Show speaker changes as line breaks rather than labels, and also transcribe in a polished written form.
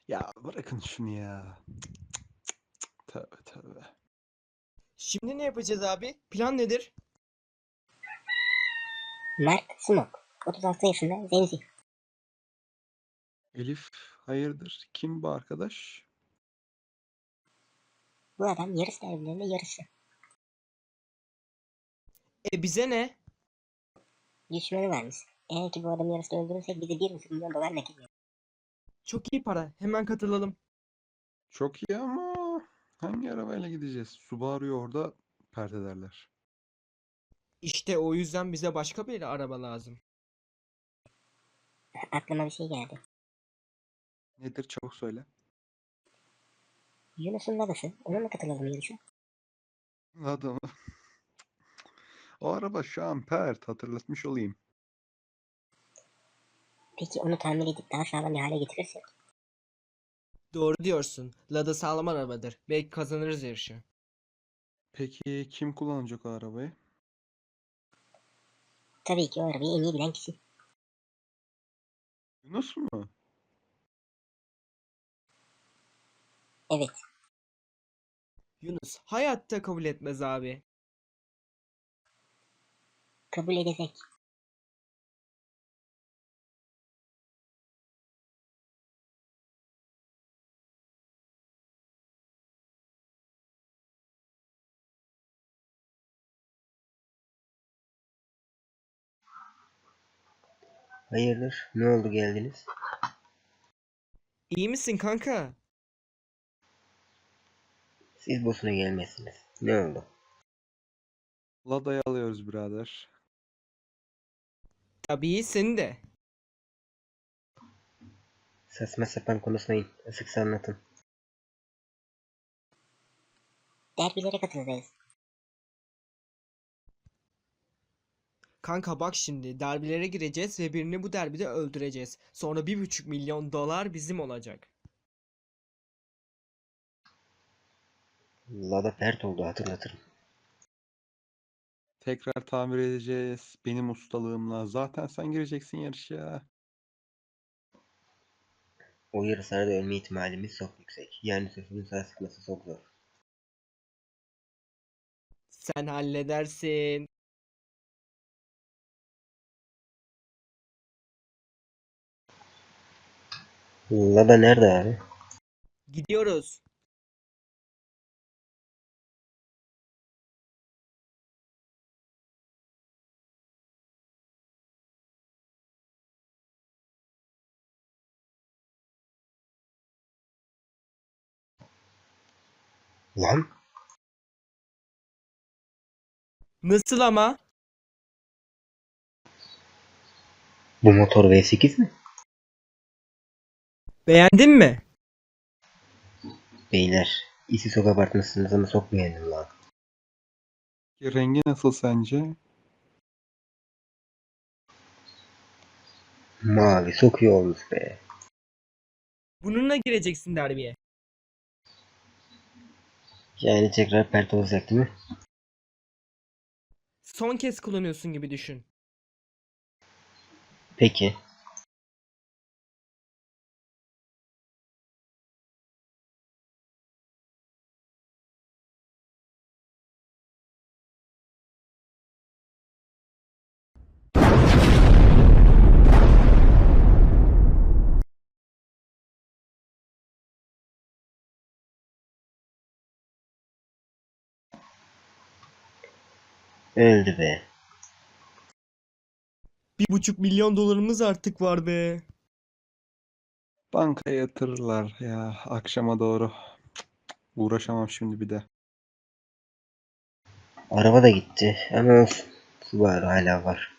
Ya bırakın şunu ya. Tövbe tövbe.
Şimdi ne yapacağız abi? Plan nedir?
Mert Smoke. 36 yaşında zenci.
Elif hayırdır? Kim bu arkadaş?
Bu adam yarış derbilerinde yarışı.
Bize ne?
Düşmanı varmış. Eğer ki bu adamı yarışta öldürürsek bize 1,5 milyon dolar nakit verir.
Çok iyi para. Hemen katılalım.
Çok iyi ama hangi arabayla gideceğiz? Subaru'yu orada pert ederler.
İşte o yüzden bize başka bir araba lazım.
Aklıma bir şey geldi.
Nedir çabuk söyle.
Yunus'un babası. Onunla katılalım yarışa.
Adamı. O araba şu an pert, hatırlatmış olayım.
Peki onu tamir edip daha sağlam bir hale getirirsek?
Doğru diyorsun. Lada sağlam arabadır. Belki kazanırız yarışı.
Peki kim kullanacak o arabayı?
Tabii ki o arabayı en iyi bilen kişi.
Yunus mu?
Evet.
Yunus hayatta kabul etmez abi.
Kabul edecek.
Hayırdır? Ne oldu geldiniz?
İyi misin kanka?
Siz boşuna gelmezsiniz. Ne oldu?
Lada'yı alıyoruz birader.
Tabii seni de.
Saçma sapan konuşmayın. Açıkça anlatın.
Derbilere katılacağız.
Kanka bak şimdi derbilere gireceğiz ve birini bu derbide öldüreceğiz. Sonra 1,5 milyon dolar bizim olacak.
Lada pert oldu, hatırlatırım.
Tekrar tamir edeceğiz. Benim ustalığımla. Zaten sen gireceksin yarışa.
O yarışlarda ölme ihtimalimiz çok yüksek. Yani sözümün sağ çıkması çok zor.
Sen halledersin.
Lada nerede abi?
Gidiyoruz.
Lan?
Nasıl ama?
Bu motor V8 mi?
Beğendin mi?
Beyler, işi çok abartmışsınız ama çok beğendim lan.
Rengi nasıl sence?
Mavi çok iyi olmuş be.
Bununla gireceksin derbiye.
Yani tekrar pert olacak değil mi?
Son kez kullanıyorsun gibi düşün.
Peki. Öldü be.
1,5 milyon dolarımız artık var be.
Bankaya yatırırlar ya akşama doğru. Uğraşamam şimdi bir de.
Araba da gitti ama olsun. Subaru hala var.